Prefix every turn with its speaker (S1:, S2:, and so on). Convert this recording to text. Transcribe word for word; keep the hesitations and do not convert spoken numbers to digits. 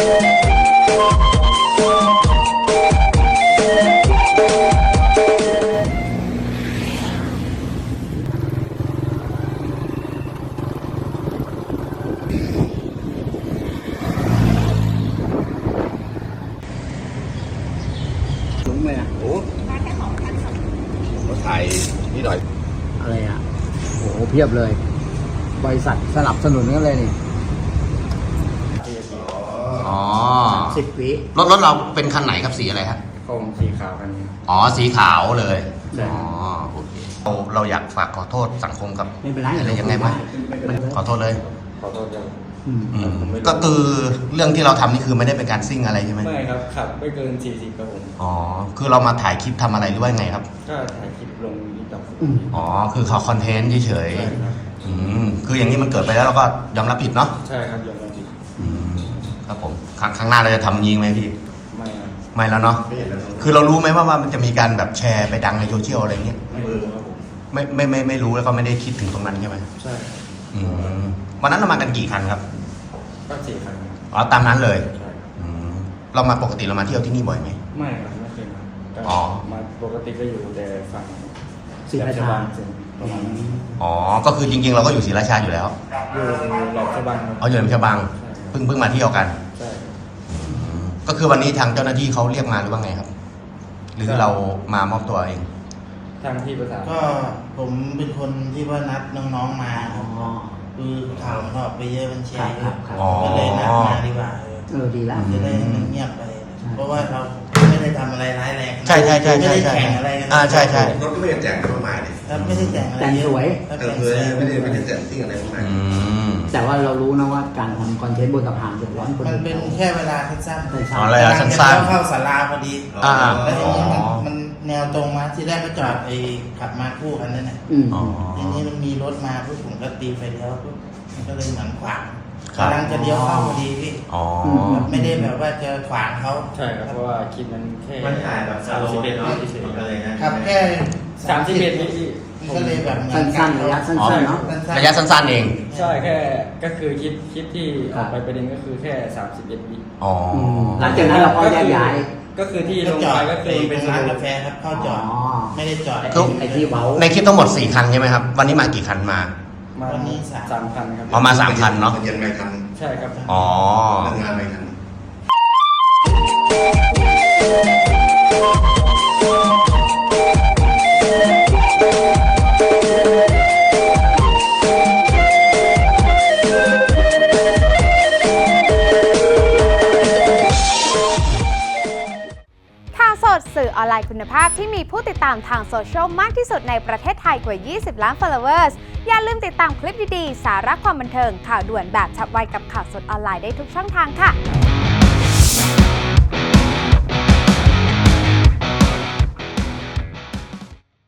S1: สูงเลยอ่ะโอ้มาถ่ายนี่หน่อยอะไรอ่ะโอ้โหเพียบเลยบริษัทสนับสนุนกันเลยนี่
S2: อ๋อ
S1: สิบวิ
S2: รถรถเราเป็นคันไหนครับสีอะไรครับ
S3: คงสีขาวกันนี้
S2: อ๋อสีขาวเลยอ๋อโอเคเราเราอยากฝากขอโทษสังคมกับ
S1: ไม่เป็นไร
S2: อะไรยังไงบ้างขอโทษเลย
S3: ขอโทษยัง
S2: ก็คือเรื่องที่เราทำนี่คือไม่ได้เป็นการซิ่งอะไรใช่ไหม
S3: ไม่ครับขับไม่เกินสี่สิบครับผม
S2: อ๋อคือเรามาถ่ายคลิปทำอะไรหรือว่าไงครับ
S3: ก็ถ่ายคลิปลงยูทูบ
S2: อ๋อคือเขาคอนเทนต์เฉยๆอืมคืออย่างนี้มันเกิดไปแล้วเราก็ยอมรับผิดเนาะ
S3: ใช่ครับยอมรับผิด
S2: ครับผมครั้งข้างหน้าเราจะทำยิงไหมพี่
S3: ไม่ครับ
S2: ไม่แล้วเนาะคือเรารู้ไหมว่าว่ามันจะมีการแบบแชร์ไปดังในโซเชียลอะไรเงี้ย
S3: ไม่รู้ครับผม
S2: ไม่ไม่ไม่ไม่รู้แล้วก็ไม่ได้คิดถึงตรงนั้นใช่ไหม
S3: ใช่
S2: อืมวันนั้นเรามากันกี่คันครับ
S3: ก็สี่คัน
S2: อ๋อตามนั้นเลย
S3: ใช่
S2: อืมเรามาปกติเรามาเที่ยวที่นี่บ่อยไหม
S3: ไม่ครับไม่เคยมา
S2: อ๋อ
S3: มาปกติก็อยู่แต่ฝั่ง
S1: ศรีราชา
S3: ประมาณนั้น
S2: อ๋อก็คือจริงๆเราก็อยู่ศรีราชาอยู่แล้ว
S3: อยู่หลอกฉบังครับ
S2: อ๋ออยู่หลอกฉบังเพิ่งเพิ่งมาเที่ยวกัน
S3: ใช่
S2: ก็คือวันนี้ทางเจ้าหน้าที่เขาเรียกมาหรือว่าไงครับหรือเรามามอบตัวเอง
S3: ทางที่ประสาน
S4: ก็ผมเป็นคนที่ว่านัดน้องๆมาคือข่าวออกไปเยอะมันแชร์ก็เลยนัดมาดีกว่า
S1: เออดีแล้ว
S4: จะได้เงียบไปเพราะว่าเราไม่ได้ทำอะไรร้ายแรง
S2: ใช่ใช่ใช่
S4: ไม่
S2: ได้
S4: แข่งอะไรกัน
S2: อ่าใช่ใช่
S1: รถก็ไม่ได้แต่งอะไรมากเลย
S4: ไม่ได้แต่งอะไร
S1: แต่งสวย
S4: แต่งสวย
S1: ไม่ได้ไม่ได้แต่งซิ่งอะไรมากแต่ว่าเรารู้นะว่าการทำคอนเทนต์บนสะพานเดือดร้อนคน
S4: มันเป็นแค่เวลาสั้น
S2: ๆอ๋อระยะสั้น
S4: ๆเข้าศาลาพอดี
S2: อ่า
S4: แล้วทีนี้มันแนวตรงมาที่แรกก็จอดไอ้ขับมาคู่กันนั่นแหละทีนี้มันมีรถมาปุ๊บผมก็ตีไฟเลี้ยวปุ๊บมันก็เลยเหมือนขวางกำลังจะเลี้ยวเข้าพอดีพี่ไม่ได้แบบว่าจะขวางเขา
S3: ใช่ครับเพราะว่าคลิปมันแค่
S4: มันถ่ายแบบ
S3: สามสิบเอ็ดวิเฉยๆ
S4: เลยนะครับแค่
S3: สามสิบเอ็ดวิ
S4: ก็เลยแบบ
S1: สั้นๆระยะสั้นๆเนาะ
S2: ระยะสั้นๆเอง
S3: ใช่แค่ก็คือคลิปคลิปที่ออกไปประเด็นก็คือแค่สามสิบเอ็ดวิ
S2: อ๋อ
S1: หลังจากนั้นเราก็แยกย้าย
S3: ก็คือที่ลงไปก็คือ
S4: เป็นร้านกาแฟครับเข้าจอดไม่ได้จอด
S1: ไอ้ที่เว้า
S2: ในคลิปทั้งหมดสี่คันใช่ไหมครับวันนี้มากี่คันมา
S4: วันนี้
S3: สามคันครับ
S2: อ๋อมาสามคันเนาะ
S1: เย็นไม่คัน
S3: ใช่ครับ
S2: อ๋
S1: องานไม่คัน
S5: สื่อออนไลน์คุณภาพที่มีผู้ติดตามทางโซเชียลมากที่สุดในประเทศไทยกว่า ยี่สิบ ล้าน followers อย่าลืมติดตามคลิปดีๆ สาระความบันเทิงข่าวด่วนแบบฉับไวกับข่าวสดออนไลน์ได้ทุกช่องทางค่ะ